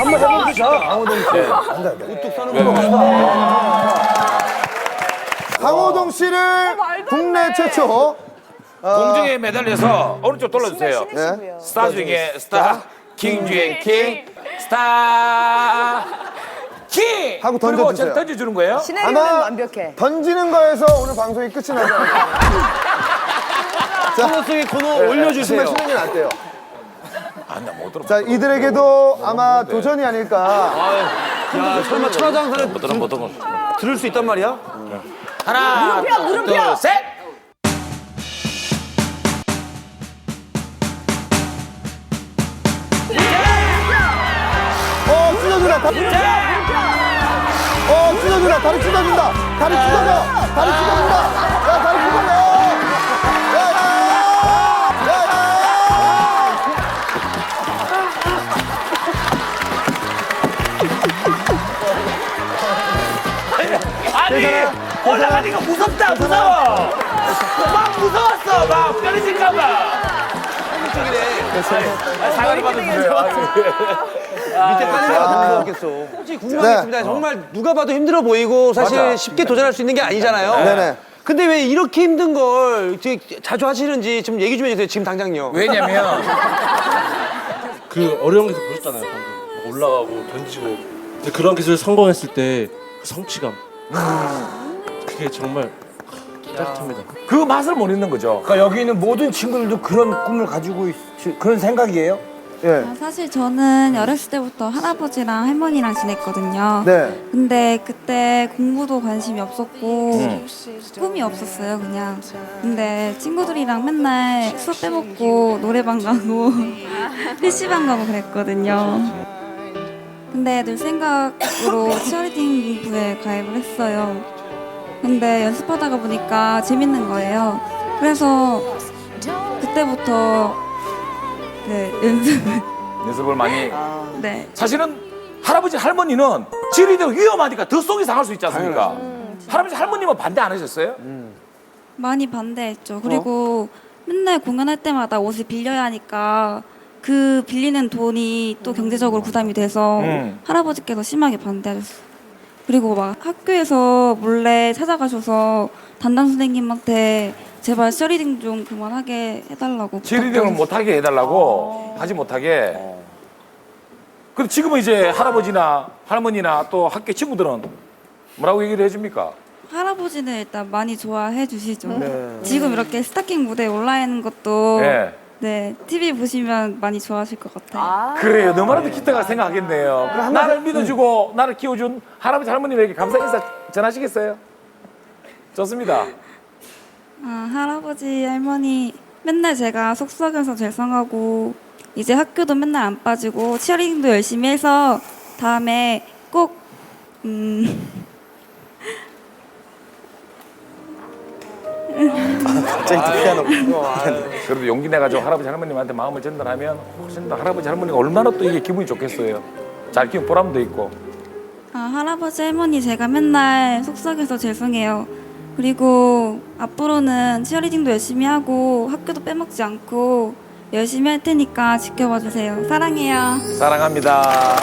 한번 해보자. 강호동 씨. 우뚝 서는 거. 강호동 씨를 국내 최초 공중에 매달려서 오른쪽 돌려주세요. 네. 스타 중에 스타, 킹 중에 킹, 스타 킹! 하고 그리고 던져주세요. 던져주는 거예요? 시나리오는 완벽해. 던지는 거에서 오늘 방송이 끝이 나지 않을까. 코너 속에 코너 올려주세요. 춤을 추는 게 낫대요. 나 못 들어. 자, 이들에게도 아마 도전이 아닐까. 야, 설마 천하장사를 못 들어. 들을 수 있단 말이야? 하나, 둘, 셋! 찢어준다. 찢어준다. 다리 찢어준다. 다리 찢어져. 다리 찢어준다. 야, 다리 찢어져. 야, 야, 야, 아니, 올라가니까 무섭다, 무서워! 막 무서웠어, 막 떨어질까봐. 사과를 받아주세요. 밑에 깔린 데가 더 무서웠겠어. 솔직히 궁금하겠습니다. 정말 누가 봐도 힘들어 보이고 사실 맞아. 쉽게 도전할 수 있는 게 아니잖아요. 네네. 근데 왜 이렇게 힘든 걸 되게 자주 하시는지 좀 얘기 좀 해주세요. 지금 당장요. 왜냐면 그 어려운 기술 보셨잖아요. 방금 올라가고 던지고. 근데 그런 기술 성공했을 때 그 성취감. 그게 정말 짜릿합니다. 그 맛을 못 잊는 거죠. 그러니까 여기 있는 모든 친구들도 그런 꿈을 가지고 그런 생각이에요? 예. 사실 저는 어렸을 때부터 할아버지랑 할머니랑 지냈거든요. 네. 근데 그때 공부도 관심이 없었고 꿈이 없었어요, 그냥. 근데 친구들이랑 맨날 수업 빼먹고 노래방 가고 PC방 가고 그랬거든요. 근데 늘 생각으로 치어리딩 부에 가입을 했어요. 근데 연습하다가 보니까 재밌는 거예요. 그래서 그때부터 네, 연습을 많이. 네. 사실은 할아버지 할머니는 지리대로 위험하니까 더 속이 상할 수 있지 않습니까? 할아버지 할머님은 반대 안 하셨어요? 많이 반대했죠. 그리고 맨날 공연할 때마다 옷을 빌려야 하니까 그 빌리는 돈이 또 경제적으로 부담이 돼서 할아버지께서 심하게 반대하셨어요. 그리고 막 학교에서 몰래 찾아가셔서 담당 선생님한테 제발 셔리딩 좀 그만하게 해달라고. 지리대를 못하게 해달라고 하지 못하게. 근데 지금은 이제 할아버지나 할머니나 또 학교 친구들은 뭐라고 얘기를 해줍니까? 할아버지는 일단 많이 좋아해 주시죠. 지금 이렇게 스타킹 무대에 올라 있는 것도 네. 네, TV 보시면 많이 좋아하실 것 같아요. 그래요. 너무나도 기특하게 생각하겠네요. 나를 믿어주고 나를 키워준 할아버지 할머님에게 감사 인사 전하시겠어요? 좋습니다. 할아버지, 할머니 맨날 제가 속썩여서 죄송하고 이제 학교도 맨날 안 빠지고 치어리딩도 열심히 해서 다음에 꼭 그래도 용기 내가지고 할아버지 할머님한테 마음을 전달하면 훨씬 더 할아버지 할머니가 얼마나 또 이게 기분이 좋겠어요. 잘 키운 보람도 있고. 할아버지, 할머니 제가 맨날 속썩여서 죄송해요. 그리고 앞으로는 치어리딩도 열심히 하고 학교도 빼먹지 않고 열심히 할 테니까 지켜봐 주세요. 사랑해요. 사랑합니다.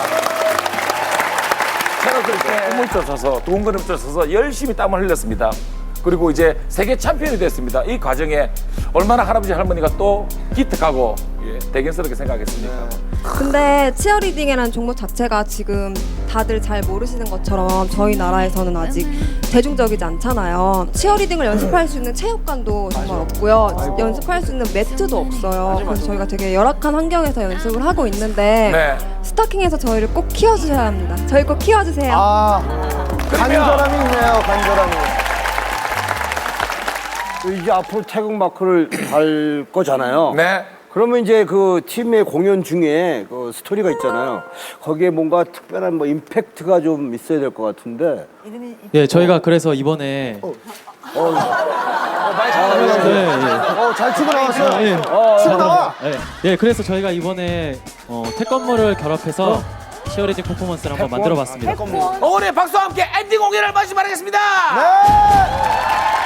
새로 그렇게 꿈을 쫓아서 두근거림 쫓아서 열심히 땀을 흘렸습니다. 그리고 이제 세계 챔피언이 됐습니다. 이 과정에 얼마나 할아버지 할머니가 또 기특하고 대견스럽게 생각했습니까? 근데 치어리딩이라는 종목 자체가 지금 다들 잘 모르시는 것처럼 저희 나라에서는 아직 대중적이지 않잖아요. 치어리딩을 연습할 수 있는 체육관도 정말 없고요. 연습할 수 있는 매트도 없어요. 그래서 저희가 되게 열악한 환경에서 연습을 하고 있는데 네. 스타킹에서 저희를 꼭 키워주셔야 합니다. 저희 꼭 키워주세요. 간절함이 있네요, 간절함이. 이제 앞으로 태극 마크를 달 거잖아요. 네. 그러면 이제 그 팀의 공연 중에 그 스토리가 있잖아요. 거기에 뭔가 특별한 뭐 임팩트가 좀 있어야 될 것 같은데. 네, 저희가 그래서 이번에 잘 치고 나왔어요. 네, 치고 나와. 네, 그래서 저희가 이번에 태권무를 결합해서 치어리딩 퍼포먼스를 한번 만들어봤습니다. 오늘 박수와 함께 엔딩 공연을 마치 바라겠습니다. 네.